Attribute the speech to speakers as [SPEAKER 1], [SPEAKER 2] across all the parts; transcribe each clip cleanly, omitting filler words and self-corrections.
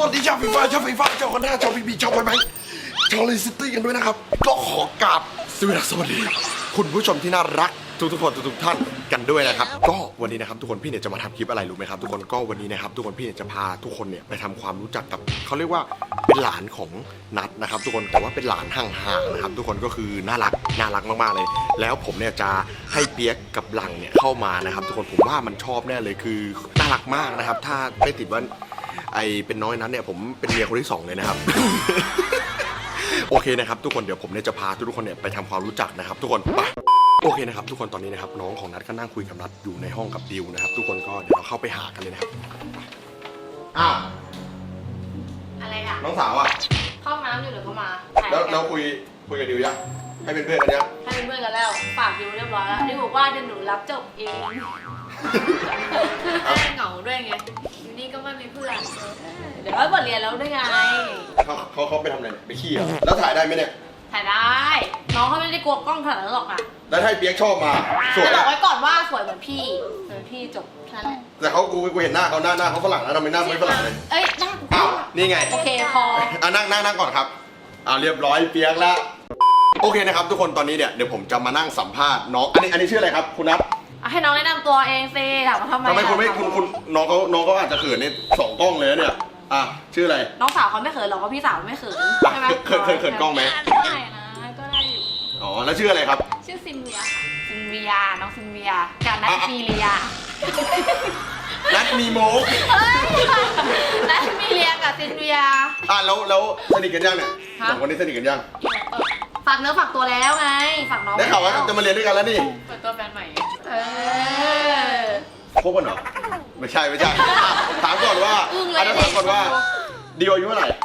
[SPEAKER 1] วัสดีชาวฟีฟ่าชาวคอนด้าชาวพีบีชาวไบไบชาวเลสตี้กันด้วยนะครับก็ขอกราบสวัสดีคุณผู้ชมที่น่ารักทุกคนทุกท่านกันด้วยนะครับก็วันนี้นะครับทุกคนพี่เนี่ยจะมาทำคลิปอะไรรู้ไหมครับทุกคนก็วันนี้นะครับทุกคนพี่เนี่ยจะพาทุกคนเนี่ยไปทำความรู้จักกับเขาเรียกว่าเป็นหลานของนัทนะครับทุกคนแต่ว่าเป็นหลานห่างๆนะครับทุกคนก็คือน่ารักมากๆเลยแล้วผมเนี่ยจะให้เปียกกับหลังเนี่ยเข้ามานะครับทุกคนผมว่ามันชอบแน่เลยคือน่ารักมากนะครับถ้าไม่ติดว่าไอเป็นน้อยนั้นเนี่ยผมเป็นเมียคนที่2เลยนะครับ โอเคนะครับทุกคนเดี๋ยวผมเนี่ยจะพาทุกคนเนี่ยไปทำความรู้จักนะครับทุกคนไปโอเคนะครับทุกคนตอนนี้นะครับน้องของนัทก็นั่งคุยกับนัทอยู่ในห้องกับดิวนะครับทุกคนก็เดี๋ยวเราเข้าไปหากันเลยนะครับอ้าว
[SPEAKER 2] อะไรอ่ะ
[SPEAKER 1] น้องสาวอ่ะ
[SPEAKER 2] เข้าน้ำอยู่เดี๋ยวเขามา
[SPEAKER 1] แล้วคุยกับดิวยังให้เป็นเพื่อนกันยัง
[SPEAKER 2] ให้เป็นเพื่อนกันแล้วฝากดิวเรียบร้อยแล้วดิวบอกว่าเดี๋ยวหนูรับจบเองคือเหงาด้วยไงอยู่นี่ก็ไม่มีเพื่อนเดี๋ยวบทเรียนแล้วด้วยไง
[SPEAKER 1] เขาไปทำอะไรไปขี้อ่ะแล้วถ่ายได้ไหมเนี่ย
[SPEAKER 2] ถ่ายได้น้องเขาไม่ได้กลัวกล้องขนาดนั้นหรอกอ่ะ
[SPEAKER 1] แล้วถ้าเปียกชอบมาสวย
[SPEAKER 2] จะบอ
[SPEAKER 1] อ่ะ
[SPEAKER 2] กไว้ก่อนว่าสวยเหมือนพี่จบแค่นั้นแหละ
[SPEAKER 1] แต่กูเห็นหน้าเขาหน้าเขาฝรั่งนะทำไมหน้าไม่ฝรั่งเลย
[SPEAKER 2] เอ้ยหน้า
[SPEAKER 1] อ้าวนี่ไง
[SPEAKER 2] โอเคพอ
[SPEAKER 1] นั่งก่อนครับเรียบร้อยเปียกแล้วโอเคนะครับทุกคนตอนนี้เนี่ยเดี๋ยวผมจะมานั่งสัมภาษณ์น้องอันนี้ชื่ออะไรครับคุณนัท
[SPEAKER 2] ให้น้องแนะนำตัวเองสิถามว่าทำไม
[SPEAKER 1] คุณไม่คุณน้องเขาอาจจะเขินใน2 กล้องเลยนะเนี่ยชื่ออะไร
[SPEAKER 2] น้องสาวเขาไม่เขินหรอกเพราะพี่สาวไม่เขินใช่ไหม
[SPEAKER 1] เขินกล้องไหม
[SPEAKER 2] ได้นะก็ได้อยู่
[SPEAKER 1] อ๋อแล้วชื่ออะไรครับ
[SPEAKER 2] ชื่อซินเวียค่ะซินเวียน้องซินเวียกับนัทมีเลีย
[SPEAKER 1] นัทมีโมก
[SPEAKER 2] เฮ้ยนัทมีเลียกับซินเวีย
[SPEAKER 1] แล้วสนิทกันยังเนี่ย
[SPEAKER 2] ฮะ
[SPEAKER 1] 2 คนนี้สนิทกันยัง
[SPEAKER 2] ฝากเนื้อฝากตัวแล้วไงฝากน้อง
[SPEAKER 1] ได้ข่าวว่าจะมาเรียนด้วยกันแล้วนี่
[SPEAKER 2] เปิดตัวแฟนใหม่
[SPEAKER 1] คบกันเหรอไม่ใช่ถามก่อนว่าถามก่อนว่าดิวอายุเท่าไหร่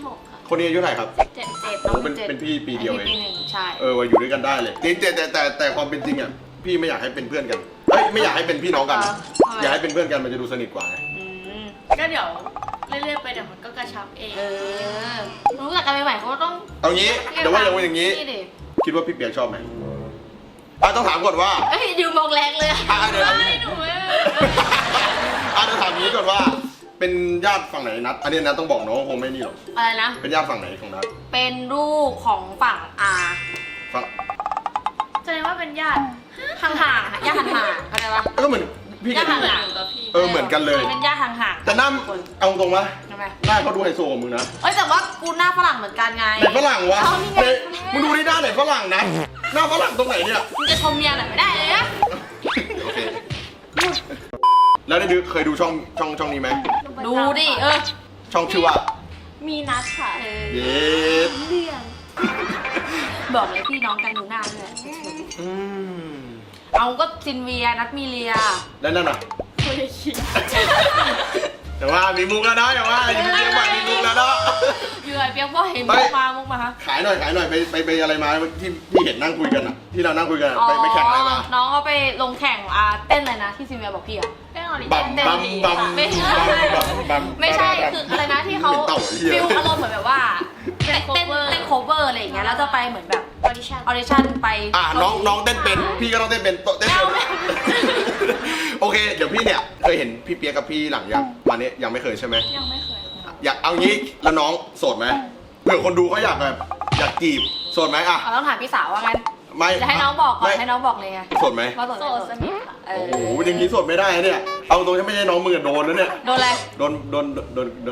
[SPEAKER 2] 16
[SPEAKER 1] คนนี้อายุเท่าไหร่ครับ
[SPEAKER 2] ค่ะ7
[SPEAKER 1] โอ้เป็นพี่ปีเดียวเอง
[SPEAKER 2] ปี 1ใช่
[SPEAKER 1] ว่าอยู่ด้วยกันได้เลยจริงแต่ความเป็นจริงอ่ะพี่ไม่อยากให้เป็นเพื่อนกันไม่อยากให้เป็นพี่น้องกัน อยากให้เป็นเพื่อนกันมันจะดูสนิทกว่าไง
[SPEAKER 3] ก็เดี๋ยวเรื่อยๆไปเดี๋ยวมันก็กระชับเอง
[SPEAKER 2] รู้จักกันใหม่ๆเขาก็ต้อง
[SPEAKER 1] เอางี้เดี๋ยวว่าอย่างนี้
[SPEAKER 2] ดิ
[SPEAKER 1] คิดว่าพี่เปียกชอบไหมต้องถามก่อนว่า
[SPEAKER 2] เอ้ยดูมองแรงเลย
[SPEAKER 1] เดี๋ยว
[SPEAKER 3] ไม่หนูไม่
[SPEAKER 1] ถามนี้ก่อนว่าเป็นญาติฝั่งไหนนัดอันนี้นัดต้องบอกน้องคงไม่นี่หรอก
[SPEAKER 2] อะไรนะ
[SPEAKER 1] เป็นญาติฝั่งไหนของนัด
[SPEAKER 2] เป็นลูกของฝั่งอา
[SPEAKER 1] ฝั่ง
[SPEAKER 3] แสดงว่าเป็นญาติ
[SPEAKER 2] ห่างๆญาติห่างๆเข้าใจปะ
[SPEAKER 1] ก็เหมือนพี่กับ
[SPEAKER 2] ญาติ
[SPEAKER 1] ดิว
[SPEAKER 2] ห่าง
[SPEAKER 3] หนูกับพี่
[SPEAKER 1] เหมือนกันเลย
[SPEAKER 2] เป็นญาติห่างๆ
[SPEAKER 1] แต่หน้าเอาตรงวะ
[SPEAKER 2] ทำไม
[SPEAKER 1] หน้าเขาดูไฮโซกว่ามึงนะ
[SPEAKER 2] เอ้ยแต่ว่ากูหน้าฝรั่งเหมือนกันไง
[SPEAKER 1] ไหนฝรั่งวะ
[SPEAKER 2] เอานี่ไง
[SPEAKER 1] มึงดูที่หน้าไหนฝรั่งนะหน้าฝรั่งตรงไหนเนี่ย
[SPEAKER 2] มึงจะชมเมียหน่อยไม่ได้เลยนะ
[SPEAKER 1] โอเคแล้วได้ดูเคยดูช่องนี้ไหม
[SPEAKER 2] ดูดิ
[SPEAKER 1] ช่องชื่อว่า
[SPEAKER 3] มีนัดค่ะ
[SPEAKER 1] เย็ด
[SPEAKER 3] เรื่อง
[SPEAKER 2] บอกเลยพี่น้องกันดูหน้าเลย
[SPEAKER 1] อืม
[SPEAKER 2] เอาก็ซินเวียนัทมีเลีย
[SPEAKER 1] แล้วนั่นน่ะ
[SPEAKER 3] คุยคิด
[SPEAKER 1] แต่ว่ามีมุกแล้วนะอย่าว่าอยู่ที่เชียงใหม่มีมุกแล้วนะ
[SPEAKER 2] อยู่ไอ้เปียกว่าเห็นมุกมาฮะ
[SPEAKER 1] ขายหน่อยไปอะไรมาที่เห็นนั่งคุยกันอ่ะที่เรานั่งคุยกันอะไปแข่งอะไรมา
[SPEAKER 2] น้องเขาไปลงแข่งเต้นอะไรนะที่ซินเวียบอกพี่อะ
[SPEAKER 3] เต้นออริ
[SPEAKER 1] บัม
[SPEAKER 3] เต้น
[SPEAKER 1] บัม
[SPEAKER 3] ดี
[SPEAKER 1] บัม
[SPEAKER 2] ไม่ใช่
[SPEAKER 1] บัม
[SPEAKER 2] ไม่ใช่คืออะไรนะที่เขา
[SPEAKER 1] เต่าเหี้ย
[SPEAKER 2] ฟิลอารมณ์เหมือนแบบว่าเต้นโคเวอร์อะไรอย่างเงี้ยแล้วจะไปเหมือนแบบ
[SPEAKER 3] ออดิชั่น
[SPEAKER 2] ออดิชั่นไป
[SPEAKER 1] น้องเต้นเป็นพี่ก็ต้องเต้นเป็นเต้นเป็นโอเคเดี๋ยวพี่เนี่ยเคยเห็นพี่เปียกกับพี่หลังยังวันนี้ยังไม่เคยใช่ไหม
[SPEAKER 3] ยังไม่เคยค่ะ
[SPEAKER 1] อยากเอางี้แล้วน้องโสดไหมเผื่อคนดูเขาอยากแบบอยากจีบโสดไหมอ่ะ
[SPEAKER 2] ต้องถามพี่สาวว่างั้น
[SPEAKER 1] ไม่
[SPEAKER 2] จะให้น้องบอกก่อน
[SPEAKER 1] ไม่
[SPEAKER 2] ให้น้องบอกเลยไง
[SPEAKER 1] โสดไหม
[SPEAKER 2] ว่าโสด
[SPEAKER 3] โส
[SPEAKER 2] ไม่
[SPEAKER 3] ด
[SPEAKER 2] โส
[SPEAKER 3] ส
[SPEAKER 2] ด
[SPEAKER 3] นิทค่ะ
[SPEAKER 2] เอ
[SPEAKER 1] โอ้
[SPEAKER 2] อ
[SPEAKER 1] โหอย่างนี้โสดไม่ได้เนี่ยเอาตรงที่ไม่ใช่น้องมือโดนแล้วเนี่ย
[SPEAKER 2] โดนอะไร
[SPEAKER 1] โดน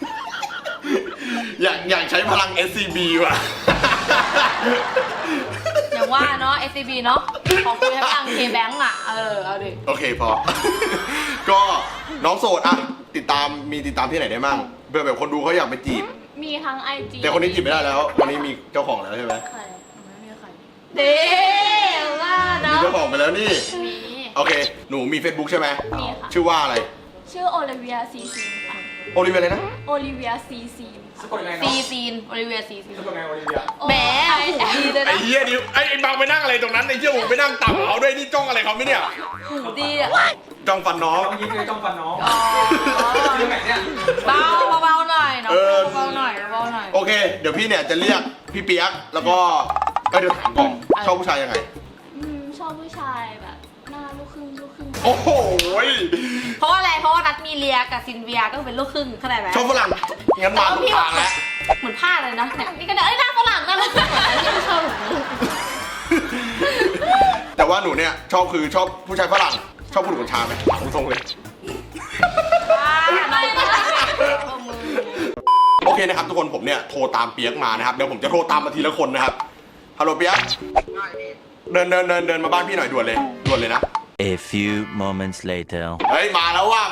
[SPEAKER 1] อยากใช้พลัง SCB ว่ะ
[SPEAKER 2] อย่างว่าเนาะ SCB เนาะขอคุยให้ฟังเคแบงก์อ่ะเอาดิ
[SPEAKER 1] โอเคพอ ก็น้องโสดอะติดตามที่ไหนได้มั่งเพื่อแบบคนดูเขาอยากไปจีบ
[SPEAKER 3] มีทั้ง IG
[SPEAKER 1] แต่คนนี้จีบไม่ได้แล้วคนนี้มีเจ้าของแล้วใช่ไหม
[SPEAKER 3] ใครหนูไม่มีใคร
[SPEAKER 2] เด้ว่า
[SPEAKER 1] มี
[SPEAKER 2] เนาะ
[SPEAKER 1] เจ้าของไปแล้วนี่
[SPEAKER 3] มี
[SPEAKER 1] โอเคหนูมี Facebook ใช่ไหม
[SPEAKER 3] มีค่ะ
[SPEAKER 1] ชื่อว่าอะไร
[SPEAKER 3] ชื่อโอลิเวียซีซีนค่ะ
[SPEAKER 1] โอลิเวียเลยนะ
[SPEAKER 3] โอลิเวียซีซีนค่ะ
[SPEAKER 2] ซีซีนโอลิเวียซีซีน
[SPEAKER 4] เป็นไงโอลิเวีย
[SPEAKER 2] แหมหูดีเลย
[SPEAKER 1] ไอ้
[SPEAKER 2] นะ
[SPEAKER 1] เหี้ยดิวไอ้บางไปนั่งอะไรตรงนั้นไอ้เหี้ยผมไปนั่งต่ำเขาด้วยนี่จ้องอะไรเขาไม่เนี่ย
[SPEAKER 2] หูดีอ่ะ
[SPEAKER 1] จ้องฟันน้อง
[SPEAKER 4] เมื่อกี้คือจ้องฟันน้อง
[SPEAKER 2] อ๋อ
[SPEAKER 4] เรื่องไหนเนี่ย
[SPEAKER 2] เบาหน่อยเนาะเบาหน่อย
[SPEAKER 1] โอเค เดี๋ยวพี่เนี่ยจะเรียกพี่เปียกแล้วก็เดี๋ยวถามก่อนชอบผู้ชายยังไง
[SPEAKER 3] ชอบผู้ชายแบบหน้าลูกครึ่งไท
[SPEAKER 1] โอ้โห
[SPEAKER 2] เพราะว่าอะไรเพราะว่านัดมีเลียกับซินเวียก็เป็นลูกครึ่งเข้าใจไหม
[SPEAKER 1] ชอบฝรั่งงั้นมาถูกทางแล้ว
[SPEAKER 2] เหมือนผ้าเลยนะเนี่ยนี่ก็ได้หน้าฝรั่งหน้าฝรั่งที่ไม่ชอบแบบนี้
[SPEAKER 1] แต่ว่าหนูเนี่ยชอบผู้ชายฝรั่งชอบผู้หญิงคนชาไหมถามตรงๆเลย
[SPEAKER 2] ได้นะ
[SPEAKER 1] โอเคนะครับทุกคนผมเนี่ยโทรตามเปียกมานะครับเดี๋ยวผมจะโทรตามมาทีละคนนะครับฮัลโหลเปียกเดินมาบ้านพี่หน่อยด่วนเลยนะ
[SPEAKER 5] A few moments later.
[SPEAKER 1] เฮ้ยมาแล้วว่ะ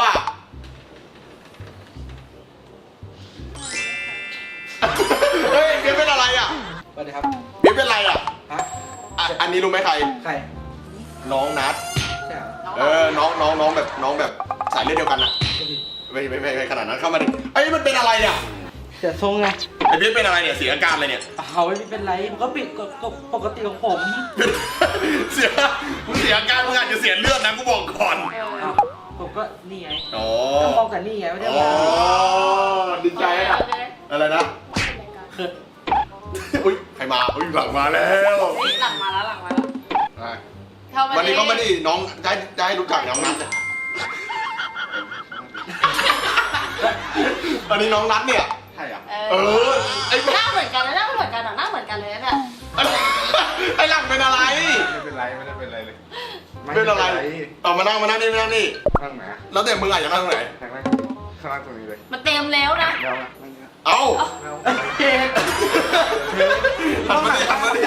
[SPEAKER 1] เฮ้ยเปียกเป็นอะไรอ่ะ
[SPEAKER 4] สวัสดีครับ
[SPEAKER 1] เปียกเป็นอะไรอ่ะ
[SPEAKER 4] ฮะ
[SPEAKER 1] อันนี้รู้ไหมใคร
[SPEAKER 4] ใคร
[SPEAKER 1] น้องนัด
[SPEAKER 4] ใช่เหรอ
[SPEAKER 1] น้องแบบสายเลือดเดียวกันอ่ะไม่ขนาดนั้นเข้ามาดิไอ้ยมันเป็นอะไรอ่ะ
[SPEAKER 4] เสียทรงไง
[SPEAKER 1] ไอ้เปียกเป็นอะไรเนี่ยเสียอาการเลยเนี่ย
[SPEAKER 4] เขาไม่เป็นไรมันก็ปิดก็ปกติของผม
[SPEAKER 1] เสียอาการมึงอาจจะเสียเลือดนะกูบอกก่อน
[SPEAKER 4] อ้าวผมก็นี่ไง
[SPEAKER 1] อ๋อ
[SPEAKER 4] ก็ป้องกันนี่ไงไม่ได้
[SPEAKER 1] อ๋อ
[SPEAKER 4] ว่า
[SPEAKER 1] ดีใจอ่ะอะไรนะ
[SPEAKER 4] คือ
[SPEAKER 1] อุ้ยใครมาอุ้ยหลังมาแล้ว
[SPEAKER 2] หลังมาแล้ว
[SPEAKER 1] อ่ะวันนี้เขาไม่ได้น้องจะให้รู้จักน้องนัทเนี่ยอันนี้น้องนัทเนี่ยใช่อ่ะไอ้
[SPEAKER 2] หน้าเหมือนกันเลยหน้าเหมือนกันหน้าเหมือนกันเลยเนี่ย
[SPEAKER 1] ไอ้หลังเป็นอะไร
[SPEAKER 6] ไม่เป็นไรเลย
[SPEAKER 1] เป็นอะไรต่อมานั่งนี่นั่งนี่
[SPEAKER 6] นั่งไหนอะ
[SPEAKER 1] แล้วแต่มึงอ่ะอยากนั่งตรงไหน
[SPEAKER 6] นั่งข้างล่างตรงนี้เลย
[SPEAKER 2] มันเต็มแล้วนะ
[SPEAKER 6] แล้วนะนั่งนี้
[SPEAKER 1] เอ้า
[SPEAKER 6] แล้ว
[SPEAKER 1] หันมาดิ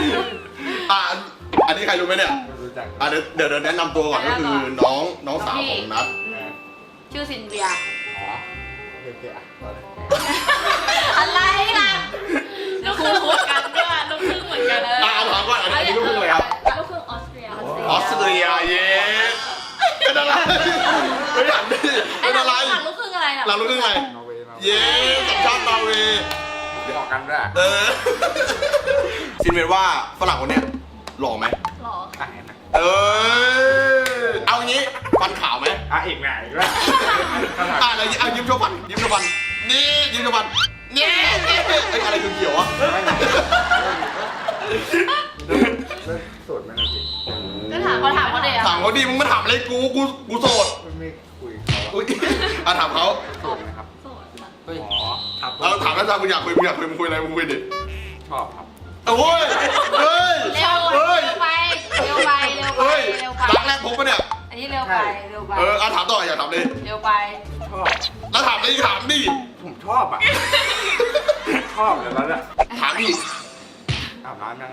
[SPEAKER 1] อันนี้ใครรู้ไหมเนี่ย
[SPEAKER 6] ไม่รู้จัก
[SPEAKER 1] เดี๋ยวแนะนำตัวก่อนก็คือน้องสาวของนัท
[SPEAKER 2] ชื่อซินเวีย
[SPEAKER 6] อ๋อโอเคอ่ะต่อเลย
[SPEAKER 2] อะไรล่ะ
[SPEAKER 3] ลูกครึ่งเหมือนกันด้วยลูกครึ่งเหมือนกันเลย
[SPEAKER 1] ถามก่อนอันนี้ลูกครึ่งอะไรครับ
[SPEAKER 3] ลูกครึ่งออสเตรีย
[SPEAKER 1] ออสเตรียเย้เป็นอะไรไม่อยากดิเป็นอะไร
[SPEAKER 2] หลังลูกครึ่งอะไรน่ะ
[SPEAKER 1] เราลูกครึ่งอะไร
[SPEAKER 6] นอร์เวย์มา
[SPEAKER 1] เย้สัญชาตินอร์เวย์
[SPEAKER 6] เดี๋ยวออกกันด้วย
[SPEAKER 1] ซินเวนว่าฝรั่งคนเนี้ยหล่อไหม
[SPEAKER 2] หรอ
[SPEAKER 6] อ่ะเห็นไหม
[SPEAKER 1] เอางี้ฟันขาวไหม
[SPEAKER 6] อ่ะอีกไหนอีกแล้ว
[SPEAKER 1] อะไรเอายิ้มโชว์ฟันนี่ยิ้มโชว์ฟันนี่ไอ้อะไรคือเขียวอ่ะ
[SPEAKER 6] ไม่ไหนโสดไหมนะพี่
[SPEAKER 2] ก็ถามเขาเลยอ่ะ
[SPEAKER 1] ถามเขาดีมึงมาถามอะไรกูโสด
[SPEAKER 6] ไม่คุยเขา
[SPEAKER 1] อุ้ยถามเขา
[SPEAKER 6] โสดไหมครับ
[SPEAKER 2] โสดค่ะ
[SPEAKER 6] เฮ้ยครับ
[SPEAKER 1] เราถามแล้วถ้ามึงอยากคุยมึงคุยอะไรมึงคุยดิ
[SPEAKER 6] ชอบครับ
[SPEAKER 1] โอ้ยเฮ้ย
[SPEAKER 2] เร็วไป
[SPEAKER 1] รักแรกพบปะเนี่ย
[SPEAKER 2] อันนี้เร็วไป
[SPEAKER 1] ถามต่ออยากถามเลย
[SPEAKER 2] เร็วไป
[SPEAKER 6] ชอบ
[SPEAKER 1] แล้วถามเลยถามดิ
[SPEAKER 6] ผมชอบอ่ะชอบแล้วเนี่ย
[SPEAKER 1] ถามดิ
[SPEAKER 6] อาบน้ำยัง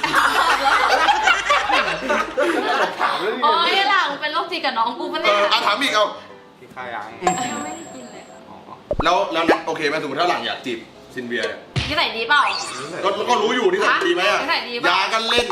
[SPEAKER 6] ถามเรื่องนี้
[SPEAKER 2] โอ้ยหลังเป็นโรคจิตกับน้องกูปะเนี่ย
[SPEAKER 1] ถามอีกเอา
[SPEAKER 6] กินข้าวยัง
[SPEAKER 2] ยังไม่ได้กินเลย
[SPEAKER 6] อ๋อ
[SPEAKER 1] แล้วนัทโอเคไหมสมมติถ้าหลังอยากจีบซินเวีย
[SPEAKER 2] นิสัยดีเปล่า
[SPEAKER 1] ก็รู้อยู่ที่ไหนดีไหมอ่ะ
[SPEAKER 2] นิสัยดีปะ
[SPEAKER 1] ยากันเล่น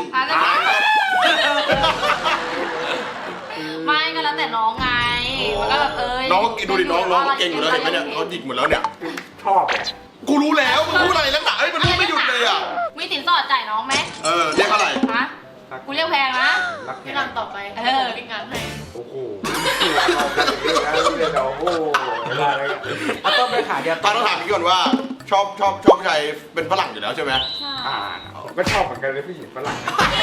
[SPEAKER 2] ไม่ก็แล้วแต่น้องไงมันก็แบบ
[SPEAKER 1] น้องดูดิน้องเก่งอยู่แล้วเห็นไหมเนี่ยเขาหยิกหมดแล้วเนี่ย
[SPEAKER 6] ชอบไง
[SPEAKER 1] กูรู้แล้วมึงพูดอะไรแล้วหนามันพูดไม่หยุดเลยอ่ะ
[SPEAKER 2] มีสินสอดจ่ายน้องไหม
[SPEAKER 1] เรียกอะไร
[SPEAKER 2] ฮะกูเรียกแพงนะ
[SPEAKER 6] รักแท้
[SPEAKER 3] พี่ลำต่อไปพี่งานให้
[SPEAKER 6] โอ้โหโอ้โหอะไรอ่ะต้องไปขาเดียว
[SPEAKER 1] ตอนต้องถามพี่ก่อนว่าชอบผู้ชายเป็นฝรั่งอยู่แล้วใช่ไหม
[SPEAKER 6] ผมก็ชอบเหมือนกันเลยผู้หญิงฝรั่ง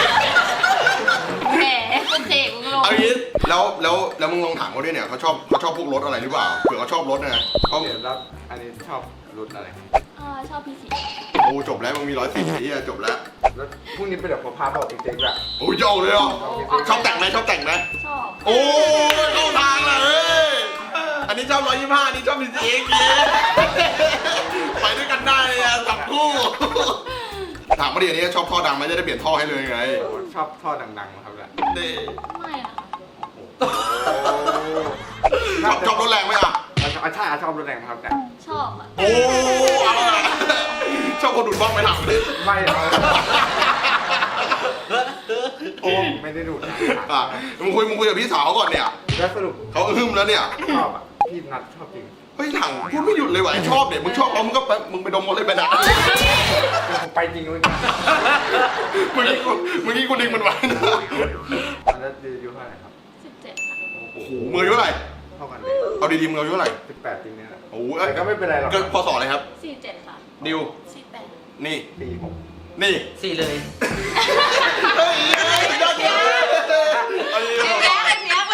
[SPEAKER 2] แหมคุณเจกูก็รู้
[SPEAKER 1] เอางี้แล้วมึงลองถามเขาด้วยเนี่ยเขาชอบพวกรถอะไรหรือเปล่าเผื่อเขาชอบรถนะเขา
[SPEAKER 6] เดี๋ยวแล้วอันนี้ชอบรุ่นอะไร
[SPEAKER 2] ชอบพี่สี
[SPEAKER 1] โอ้จบแล้วมึงมี110ที่จบแล้ว
[SPEAKER 6] แล้วพรุ่งนี้ไปเดี๋ยวผมพาบอกจริงๆแบบ
[SPEAKER 1] โอ้ยเอาเลยอ่ะชอบแต่งไหม
[SPEAKER 2] ชอบ
[SPEAKER 1] โอ้ยเข้าทางเลยอันนี้ชอบ125อันนี้ชอบพี่เจ๊ไปด้วยกันได้เลยอ่ะจับคู่ถามมาดิอันนี้ชอบท่อดังไหมจะได้เปลี่ยนท่อให้เลยไง
[SPEAKER 6] ชอบท่อดังๆครับแหละ
[SPEAKER 1] เด้
[SPEAKER 2] ไม่นะ
[SPEAKER 1] ชอบรถแรงไหมอ่ะ
[SPEAKER 6] ใช่ชอบรถแรงครับแต่
[SPEAKER 2] ชอบอ่ะ
[SPEAKER 1] โอ้เอาละชอบคนดูดบ้องไหมถามดิ
[SPEAKER 6] ไม่โอ้ไม่ได้ดูนะ
[SPEAKER 1] มึงคุยกับพี่สาวก่อนเนี่ย
[SPEAKER 6] แล้วสรุป
[SPEAKER 1] เขาหึมแล้วเนี่ย
[SPEAKER 6] ชอบอ่ะพี่นัดชอบจริง
[SPEAKER 1] เฮ้ยถังพูดไม่หยุดเลยว่ะชอบเด็กมึงชอบเขามึงก็ไปมึงไปดมหมดเลยไปนะ
[SPEAKER 6] ผมไปจริงเลย
[SPEAKER 1] มึงนี่กูดึงมันไว้นะ
[SPEAKER 6] อันนั้นอายุเท่าไหร่ครับ
[SPEAKER 2] 17ค่ะ
[SPEAKER 1] โอ้โหมืออายุเท่าไหร่
[SPEAKER 6] เท่ากันเลย
[SPEAKER 1] เอาดีๆมึงอายุเท่าไหร่
[SPEAKER 6] 18จริงเนี่ยแหละ
[SPEAKER 1] โอ้โห
[SPEAKER 6] แต่ก็ไม่เป็นไรหรอก
[SPEAKER 1] เกิดพศอะไรครับ
[SPEAKER 2] 47ค่ะ
[SPEAKER 1] ดิว
[SPEAKER 2] 48
[SPEAKER 1] นี่
[SPEAKER 6] ปีผม
[SPEAKER 1] นี่
[SPEAKER 4] 4เลย
[SPEAKER 1] เฮ้ยยอดเยี่ยม
[SPEAKER 2] ไอ้แบ๊ก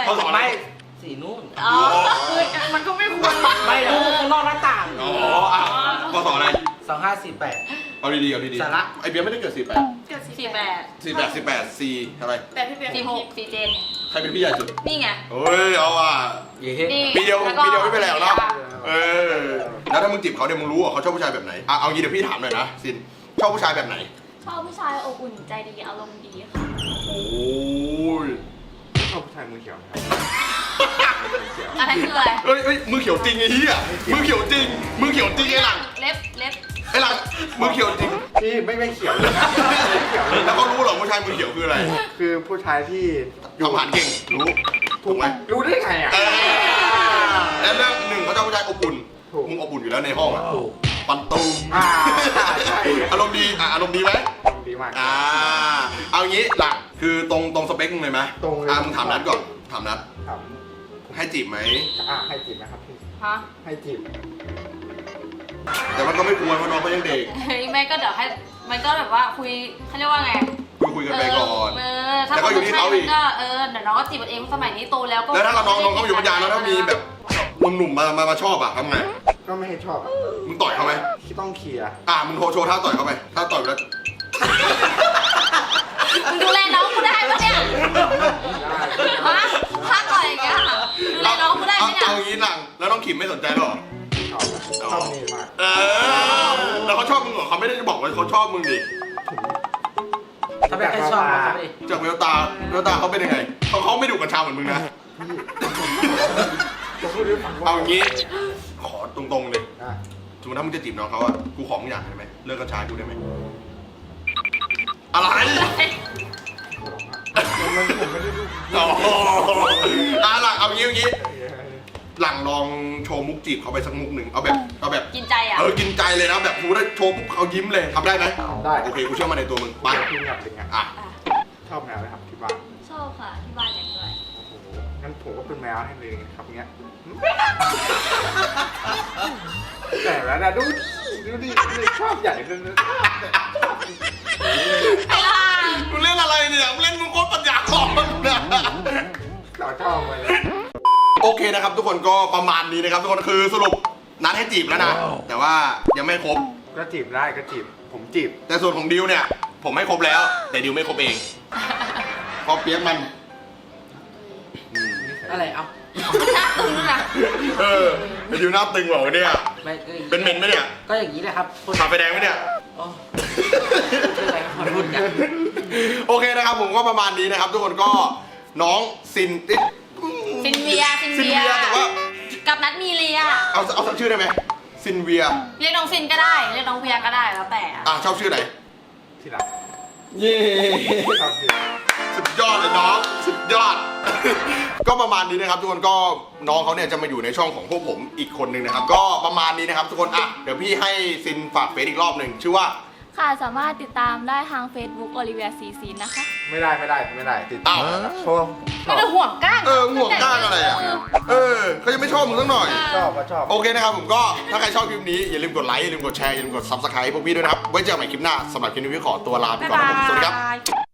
[SPEAKER 1] พศอะไร
[SPEAKER 4] ไม่สีนู่น
[SPEAKER 2] อ๋อ
[SPEAKER 3] คือมันก็ไม่ควร
[SPEAKER 4] ไม่ดูข้างนอกหน้าต่าง
[SPEAKER 1] อ๋ออ่ะพศอะไร
[SPEAKER 4] 2548
[SPEAKER 1] เอาดีๆเอาดี
[SPEAKER 4] สาระ
[SPEAKER 1] ไอเบียร์ไม่ได้เกิด 48
[SPEAKER 3] เกิด
[SPEAKER 2] 48
[SPEAKER 1] 4 อะไร
[SPEAKER 3] แต่พี่เบียร์
[SPEAKER 2] 46 47
[SPEAKER 1] ใครเป็นพี่ใหญ่สุด
[SPEAKER 2] นี่ไง
[SPEAKER 1] เฮ้ยเอาอ่ะ
[SPEAKER 4] เย้
[SPEAKER 2] นี่
[SPEAKER 1] ปีเดียว
[SPEAKER 2] แล้วก็
[SPEAKER 1] ปีเดียวไม่เป็นไรหรอกเนาะ
[SPEAKER 2] อ่ะ
[SPEAKER 1] เออแล้วถ้ามึงจีบเขาเนี่ยมึงรู้เหรอเขาชอบผู้ชายแบบไหนอ่ะเอางี้เดี๋ยวพี่ถามหน่อยนะซินชอบผู้ชายแบบไหน
[SPEAKER 7] ชอบผู้ชายอบอุ่นใจดีอารมณ์ดีค่ะ
[SPEAKER 1] โอ้ย
[SPEAKER 6] ชอบผู้ชายมือเขียวไหมครับ
[SPEAKER 2] อะไรคืออะไร
[SPEAKER 1] เฮ้ยมือเขียวจริงไอ้เหี้ยมือเขียวจริงมือเขียวจริงไอ้หลัง
[SPEAKER 2] เล็บ
[SPEAKER 1] ไอ้หลังมือเขียวจริง
[SPEAKER 6] พี่ไม่เขียวเลยนะไม่เขียวเลย
[SPEAKER 1] แล้
[SPEAKER 6] นะ
[SPEAKER 1] วเขารู้เหรอผู้ชายมือเขียวคืออะไร
[SPEAKER 6] คือผู้ชายที่
[SPEAKER 1] ทำอาหารเก่งรู้ถูกไหม
[SPEAKER 6] รู้ได้ไงอ่ะ
[SPEAKER 1] เออแล้วเรื่องหนึ่งเขาชอบผู้ชายอบอุ่น
[SPEAKER 6] ถูก
[SPEAKER 1] มึงอบอุ่นอยู่แล้วในห้องอ่ะ
[SPEAKER 6] ถูก
[SPEAKER 1] ปันตูม
[SPEAKER 6] ใช่
[SPEAKER 1] อารมณ์ดีอ่ะอารมณ์ดีไหม
[SPEAKER 6] ดีมาก
[SPEAKER 1] เอางี้หลังคือตรงสเปคมึงเลยไหม
[SPEAKER 6] ตรงเลย
[SPEAKER 1] มึงถามนัดก่อนถามนัด
[SPEAKER 6] ครับ
[SPEAKER 1] ให้จีบไหม
[SPEAKER 6] ให้จีบไหมครับพี่
[SPEAKER 2] ฮะ
[SPEAKER 6] ให้จีบ
[SPEAKER 1] แต่ว่าก็ไม่ควรเพราะน้องเขายังเด็ก
[SPEAKER 2] เฮ้ยไม่ก็เดี๋ยวให้มันก็แบบว่าคุยเขาเรียกว่าไง
[SPEAKER 1] คุยกันไปก่อน
[SPEAKER 2] ถ้า
[SPEAKER 1] แล้วก็อยู่ที่เขาอีก
[SPEAKER 2] ก็เดี๋ยวน้องก็จีบกันเองสมัยนี้โตแล้วก็
[SPEAKER 1] แล้วถ้าเราน้องเขาอยู่ปัญญาแล้วถ้ามีแบบหนุ่มๆมาชอบอ่ะทำไง
[SPEAKER 6] ก็ไม่ให้ชอบอะ
[SPEAKER 1] มึงต่อยเขาไหม
[SPEAKER 6] ต้องเคลียร์
[SPEAKER 1] มึงโชว์ท่าต่อยเขาไปท่าต่อยแล้ว
[SPEAKER 2] มึงดูแลน้องกูได้ปะเนี่ย
[SPEAKER 6] ได้
[SPEAKER 2] ฮะถ้าต่อยอย่างเงี้ยดูแลน้องกูได้ไหมเนี่ย
[SPEAKER 1] เอางี้หลังแล้วน้องขิมไม่สนใจหรอ
[SPEAKER 6] ชอบนี่มาก
[SPEAKER 1] แล้วเขาชอบมึงเหรอเขาไม่ได้จะบอกว่าเขาชอบมึงดิ
[SPEAKER 4] ถ้าเป็นใครชอบนะครับพี่
[SPEAKER 1] จากแววตาเขาเป็นยังไงเขาไม่ดุกัญชาเหมือนมึงนะ
[SPEAKER 6] จะพูดให้ฟังว่า
[SPEAKER 1] เอางี้ขอตรงๆเลย
[SPEAKER 6] อ่ะ
[SPEAKER 1] สมมติถ้ามึงจะจีบน้องเขาอะกูขอมึงอย่างได้ไหมเลิกกัญชากูได้ไหมอะไร
[SPEAKER 6] ผมไม่ได้ดู
[SPEAKER 1] อ๋อหลังเอางี้หลังลองโชว์มุกจีบเขาไปสักมุกหนึ่งเอาแบบ
[SPEAKER 2] กินใจอ่ะ
[SPEAKER 1] กินใจเลยนะแบบกูได้โชว์ปุ๊บเขายิ้มเลยทำได้ไหม
[SPEAKER 6] ได้
[SPEAKER 1] โอเคกูเชื่อมันในตัวมึงไป
[SPEAKER 6] พี่อยากเป็นไง
[SPEAKER 1] อ่ะ
[SPEAKER 6] ชอบแมวไหมครับที่บ้าน
[SPEAKER 7] ชอบค่ะที่บ้านอย่างด้วย
[SPEAKER 6] โอ้โหงั้นผมก็เป็นแมวให้เลยครับเงี้ยแต่แล้วนะดูดิชอบใหญ่เลยนะ
[SPEAKER 2] ไอ้ล่ะ
[SPEAKER 1] มึงเล่นอะไรเนี่ยมึงเล่นมึงโคตรปัญญาอ่อนนะ
[SPEAKER 6] เราชอบไปเลย
[SPEAKER 1] โอเคนะครับทุกคนก็ประมาณนี้นะครับทุกคนคือสรุปนัดให้จีบแล้วนะแต่ว่ายังไม่ครบ
[SPEAKER 6] ก็จีบได้ก็จีบผมจีบ
[SPEAKER 1] แต่ส่วนของดิวเนี่ยผมให้ครบแล้ว แต่ดิวไม่ครบเองเพราะเปียกมัน
[SPEAKER 4] อะไรเอา
[SPEAKER 2] หน้าตึงอ่ะ
[SPEAKER 1] ไอ้ดิวหน้าตึงเหรอเนี่ย
[SPEAKER 4] ไม่ก็
[SPEAKER 1] เป็นเมนไหมเนี่ย
[SPEAKER 4] ก็อย่างนี้แหละครับคน
[SPEAKER 1] ขาไฟแดงไหมเนี่ย
[SPEAKER 4] อ๋อเป็นอะไรครับขอโทษกัน
[SPEAKER 1] โอเคนะครับผมก็ประมาณนี้นะครับ ทุกคนก็น้องซิน
[SPEAKER 2] ซินเวีย
[SPEAKER 1] แต่ว่า
[SPEAKER 2] กับนัดมีเลีย
[SPEAKER 1] เอาสักชื่อได้ไหมซินเวีย
[SPEAKER 2] เรียกน้องซินก็ได้เรียกน้องเวียก็ได้แล้วแต่
[SPEAKER 1] ชอบชื่อไหน
[SPEAKER 6] ที่รัก
[SPEAKER 1] เย้
[SPEAKER 6] ชอบจีบ
[SPEAKER 1] สุดยอดเลยน้องสุดยอด ก็ประมาณนี้นะครับทุกคนก็น้องเขาเนี่ยจะมาอยู่ในช่องของพวกผมอีกคนหนึ่งนะครับ ก็ประมาณนี้นะครับทุกคนเดี๋ยวพี่ให้ซินฝากเฟซอีกรอบหนึ่งชื่อว่า
[SPEAKER 7] ค่ะสามารถติดตามได้ทาง Facebook โอลิเวียซีซีนะคะ
[SPEAKER 6] ไม่ได้ติด
[SPEAKER 1] อ้าว
[SPEAKER 6] ชอบ
[SPEAKER 2] ไม่ได้ห่วงก้าง
[SPEAKER 1] ห่วงก้างอะไรอ่ะเขายังไม่ชอบมึงสักหน่อย
[SPEAKER 6] ชอบก็ชอบ
[SPEAKER 1] โอเคนะครับผมก็ถ้าใครชอบคลิปนี้อย่าลืมกดไลค์อย่าลืมกดแชร์อย่าลืมกด Subscribe พวกพี่ด้วยนะครับไว้เจอกันใหม่คลิปหน้าสำหรับคลิปนี้พี่ขอตัวลาไปก่อนนะครับผมสวัสดีครับ